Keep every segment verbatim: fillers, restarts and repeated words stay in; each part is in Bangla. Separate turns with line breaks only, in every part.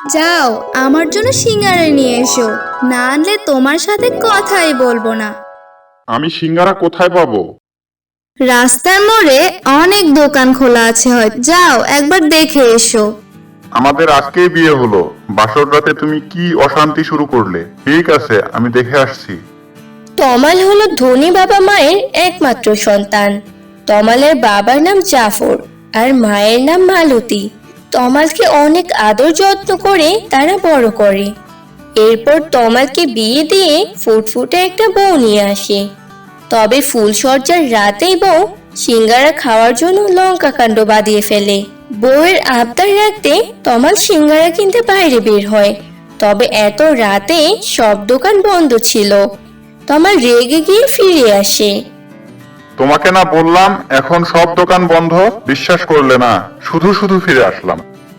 যাও আমার জন্য সিঙ্গারা নিয়ে এসো, না আনলে তোমার সাথে কথাই বলবো না।
আমি সিঙ্গারা কোথায় পাবো?
রাস্তার মোড়ে অনেক দোকান খোলা আছে, হয় যাও একবার দেখে এসো।
আমাদের আজকেই বিয়ে হলো, বাসর রাতে তুমি কি অশান্তি শুরু করলে? ঠিক আছে, আমি দেখে আসছি।
তমাল হলো ধনী বাবা মায়ের একমাত্র সন্তান। তমালের বাবার নাম জাফর আর মায়ের নাম মালতী। তমালকে অনেক আদর যত্ন করে তারা বড় করে। এরপর তমালকে বিয়ে দিয়ে ফুটফুটে একটা বউ নিয়ে আসে। তবে ফুলসজ্জার রাতেই বউ সিঙ্গারা খাওয়ার জন্য লঙ্কা কাণ্ড বাঁধিয়ে ফেলে। বউয়ের আবদার রাখতে তমাল সিঙ্গারা কিনতে বাইরে বের হয়। তবে এত রাতে সব দোকান বন্ধ ছিল। তমাল রেগে গিয়ে ফিরে আসে।
তোমাকে না বললাম এখন সব দোকান বন্ধ? বিশ্বাস করলে না, শুধু শুধু ফিরে আসলাম।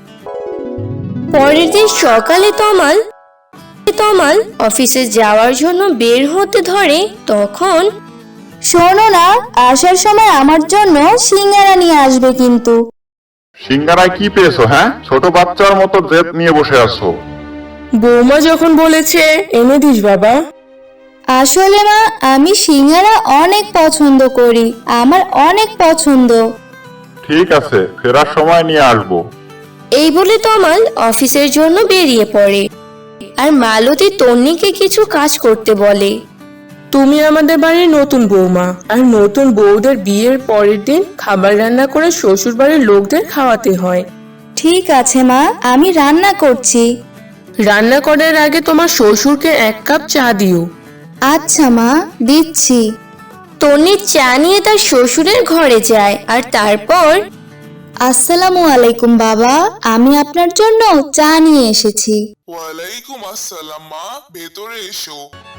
পরের দিন সকালে তমাল তমাল অফিসে যাওয়ার জন্য বের হতে ধরে, তখন
শোনো না, আসার সময় আমার জন্য সিঙ্গারা নিয়ে আসবে কিন্তু।
সিঙ্গারায় কি পেয়েছো? হ্যাঁ, ছোট বাচ্চার মতো জেদ নিয়ে বসে আছো।
বৌমা যখন বলেছে এনে দিস বাবা।
আসলে মা, আমি সিঙ্গারা অনেক পছন্দ করি, আমার অনেক পছন্দ।
ঠিক আছে, ফেরার সময় নিয়ে আসবো।
এই বলে তমাল অফিসের জন্য বেরিয়ে পড়ে। আর মালতী তন্নিকে কিছু কাজ করতে বলে।
তুমি আমাদের বাড়ির নতুন বৌমা, আর নতুন বউদের বিয়ের পরের দিন খাবার রান্না করে শ্বশুর বাড়ির লোকদের খাওয়াতে হয়।
ঠিক আছে মা, আমি রান্না করছি।
রান্না করার আগে তোমার শ্বশুরকে এক কাপ চা দিও।
আচ্ছা মা, দিচ্ছি।
তন্নি চা নিয়ে তার শ্বশুরের ঘরে যায় আর তারপর
আসসালামু আলাইকুম বাবা, আমি আপনার জন্য চা নিয়ে এসেছি।
ওয়ালাইকুম আসসালাম মা, ভেতরে এসো।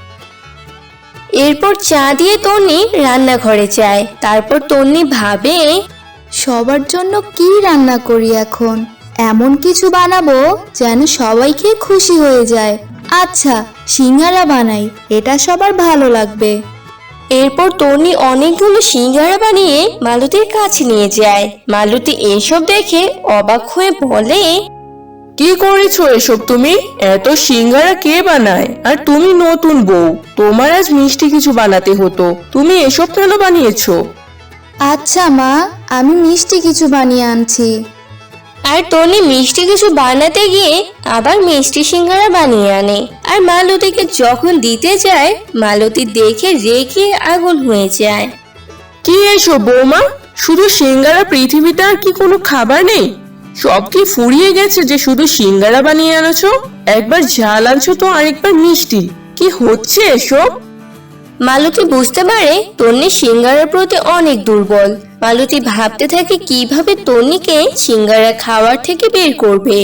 এরপর চা দিয়ে তন্নি রান্নাঘরে যায়। তারপর তন্নি ভাবে,
সবার জন্য কি রান্না করি এখন? এমন কিছু বানাবো যেন সবাই খেয়ে খুশি হয়ে যায়। আচ্ছা, সিঙ্গারা বানাই, এটা সবার ভালো লাগবে।
এরপর তন্নি অনেকগুলো সিঙ্গারা বানিয়ে মালতীর কাছে নিয়ে যায়। মালতী এসব দেখে অবাক হয়ে বলে,
কি করেছো এসব তুমি? এত সিঙ্গারা কে বানায়? আর তুমি নতুন বউ, তোমার আজ মিষ্টি কিছু বানাতে হতো, তুমি এসব কেন বানিয়েছো?
আচ্ছা মা, আমি মিষ্টি কিছু বানিয়ে আনছি।
আর তন্নি মিষ্টি কিছু বানাতে গিয়ে আবার মিষ্টি সিঙ্গারা বানিয়ে আনে। আর মালতীকে যখন দিতে যায়, মালতী দেখে রেগে আগুন হয়ে যায়।
কি এসব বৌমা? শুধু সিঙ্গারা? পৃথিবীতে আর কি কোনো খাবার নেই? সব কি ফুরিয়ে গেছে যে শুধু সিঙ্গারা বানিয়ে আনছো? একবার ঝাল আনছো তো আরেকবার মিষ্টি, কি হচ্ছে এসব?
মালতী বুঝতে পারে তন্নি সিঙ্গারার প্রতি অনেক দুর্বল। মালতী ভাবতে থাকে কিভাবে তন্নিকে সিঙ্গারা খাওয়ার থেকে বের করবে।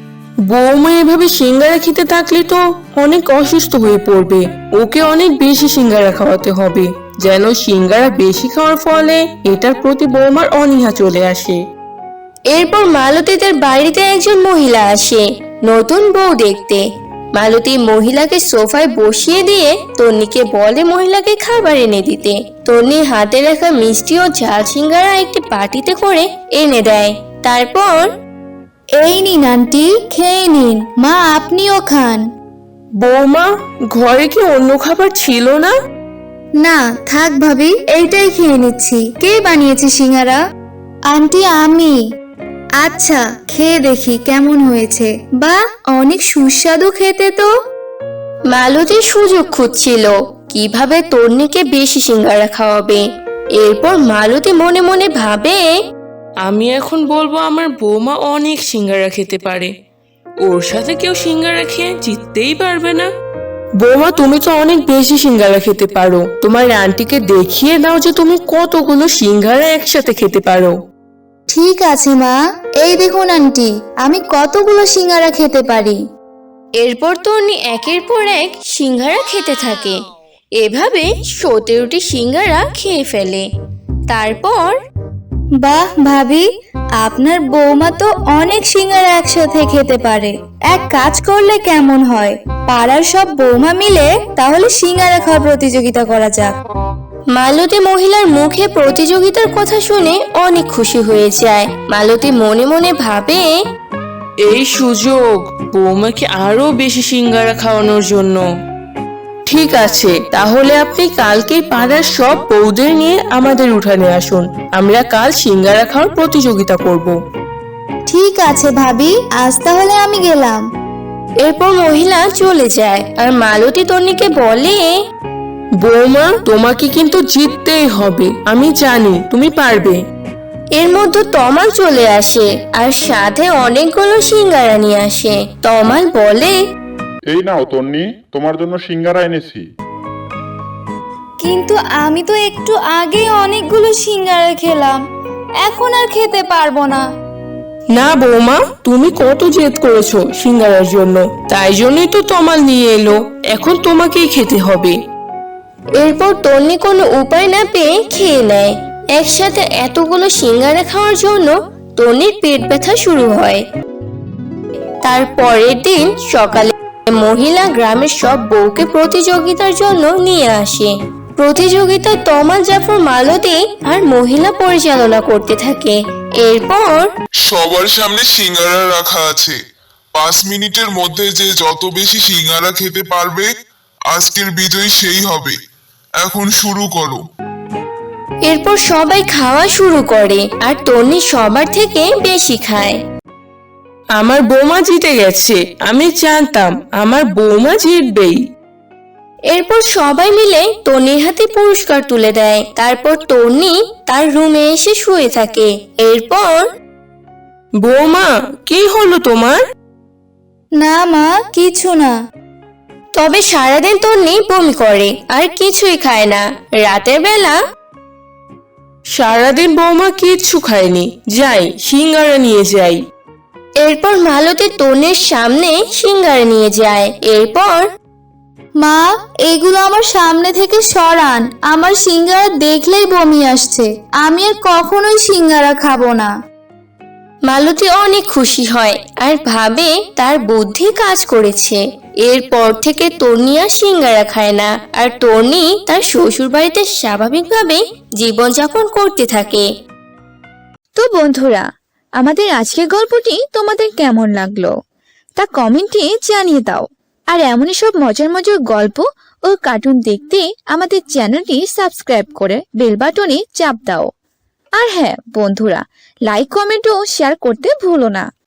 বৌমা এভাবে সিঙ্গারা খেতে থাকলে তো অনেক অসুস্থ হয়ে পড়বে। ওকে অনেক বেশি সিঙ্গারা খাওয়াতে হবে, যেন সিঙ্গারা বেশি খাওয়ার ফলে এটার প্রতি বৌমার অনীহা চলে আসে।
এরপর মালতীদের বাড়িতে একজন মহিলা আসে নতুন বউ দেখতে। মালতী মহিলাকে সোফায় বসিয়ে দিয়ে তন্নিকে বলে মহিলাকে খাবার এনে দিতে। তন্নির হাতে রাখা মিষ্টি ও ঝাল সিঙ্গারা একটি বাটিতে করে এনে দেয়। তারপর,
এই নিন আন্টি, খেয়ে নিন। মা, আপনিও খান।
বৌমা, ঘরে কি অন্য খাবার ছিল না?
না থাক ভাবি, এইটাই খেয়ে নিচ্ছি। কে বানিয়েছে সিঙ্গারা? আন্টি, আমি। আচ্ছা, খেয়ে দেখি কেমন হয়েছে। বাহ, অনেক সুস্বাদু খেতে তো।
মালতী সুযোগ খুঁজছিল কিভাবে তন্নিকে বেশি সিঙ্গারা খাওয়াবে। এরপর মালতী মনে মনে ভাবে,
আমি এখন বলবো আমার বৌমা অনেক সিঙ্গারা খেতে পারে, ওর সাথে কেউ সিঙ্গারা খেয়ে জিততেই পারবে না। বৌমা, তুমি তো অনেক বেশি সিঙ্গারা খেতে পারো, তোমার আন্টিকে দেখিয়ে দাও যে তুমি কতগুলো সিঙ্গারা একসাথে খেতে পারো।
ঠিক আছে মা, এই দেখুন আন্টি, আমি কতগুলো সিঙ্গারা খেতে পারি।
এরপর তন্নি একের পর এক সিঙ্গারা খেতে থাকে। এভাবে সতেরোটি সিঙ্গারা খেয়ে ফেলে। তারপর,
বাহ ভাবি, আপনার বৌমা তো অনেক সিঙ্গারা একসাথে খেতে পারে। এক কাজ করলে কেমন হয়, পাড়ার সব বৌমা মিলে তাহলে সিঙ্গারা খাওয়ার প্রতিযোগিতা করা যাক।
মালতী মহিলার মুখে প্রতিযোগিতার কথা শুনে অনেক খুশি হয়ে যায়। মালতী মনে মনে ভাবে,
এই সুযোগ বৌমাকে আরো বেশি সিঙ্গারা খাওয়ানোর জন্য। ঠিক আছে, তাহলে আপনি কালকেই পাড়ার সব বউদের নিয়ে আমাদের উঠানে আসুন। আমরা কাল সিঙ্গারা খাওয়ার প্রতিযোগিতা করব।
ঠিক আছে ভাবি, আজ তাহলে আমি গেলাম।
এরপর মহিলা চলে যায় আর মালতী তন্নিকে বলে,
বৌমা, তোমাকে কিন্তু জিততেই হবে, আমি জানি তুমি পারবে।
এর মধ্যে তমাল চলে আসে আর সাথে অনেকগুলো সিঙ্গারা নিয়ে আসে। তমাল বলে,
এই নাও তন্নি, তোমার জন্য সিঙ্গারা এনেছি।
কিন্তু আমি তো একটু আগেই অনেকগুলো সিঙ্গারা খেলাম, এখন আর খেতে পারবো না।
না বৌমা, তুমি কত জেদ করেছো সিঙ্গারার জন্য, তাই জন্যই তো তমাল নিয়ে এলো। এখন তোমাকেই খেতে হবে।
এরপর তন্নি কোনো উপায় না পেয়ে খেয়ে নেয়। একসাথে এতগুলো সিঙ্গারা খাওয়ার জন্য তন্নির পেট ব্যথা শুরু হয়। তার পরের দিন সকালে মহিলা গ্রামের সব বউকে প্রতিযোগিতার জন্য নিয়ে আসে। প্রতিযোগিতায় তমাল, জাফর, মালতী আর মহিলা পরিচালনা করতে থাকে। এরপর
সবার সামনে সিঙ্গারা রাখা আছে। পাঁচ মিনিটের মধ্যে যে যত বেশি সিঙ্গারা খেতে পারবে আজকের বিজয়ী সেই হবে। এখন শুরু করো।
এরপর সবাই খাওয়া শুরু করে আর তন্নি সবার থেকে বেশি খায়।
আমার বৌমা জিতে গেছে, আমি জানতাম আমার বৌমা জিতবেই।
এরপর সবাই মিলে তন্নির হাতে পুরস্কার তুলে দেয়। তারপর তন্নি তার রুমে এসে শুয়ে থাকে। এরপর
বৌমা, কি হলো তোমার?
না মা, কিছু না।
তবে সারাদিন তন্নি বমি করে আর কিছুই খায় না। রাতের বেলা
সারাদিন বৌমা কিচ্ছু খায়নি, যাই সিঙ্গারা নিয়ে যাই।
এরপর মালতী তন্নির সামনে সিঙ্গারা নিয়ে যায়। এরপর
মা, এগুলো আমার সামনে থেকে সরান, আমার সিঙ্গারা দেখলেই বমি আসছে, আমি আর কখনোই সিঙ্গারা খাবো না।
মালতী অনেক খুশি হয় আর ভাবে তার বুদ্ধি কাজ করেছে। এরপর থেকে তন্নি আর সিঙ্গারা খায় না আর তন্নি তার শ্বশুর বাড়িতে স্বাভাবিকভাবে জীবনযাপন করতে থাকে।
তো বন্ধুরা, আমাদের আজকের গল্পটি তোমাদের কেমন লাগলো তা কমেন্টে জানিয়ে দাও। আর এমনই সব মজার মজার গল্প ও কার্টুন দেখতে আমাদের চ্যানেলটি সাবস্ক্রাইব করে বেল বাটনে চাপ দাও। আর হ্যাঁ বন্ধুরা, লাইক, কমেন্ট ও শেয়ার করতে ভুলো না।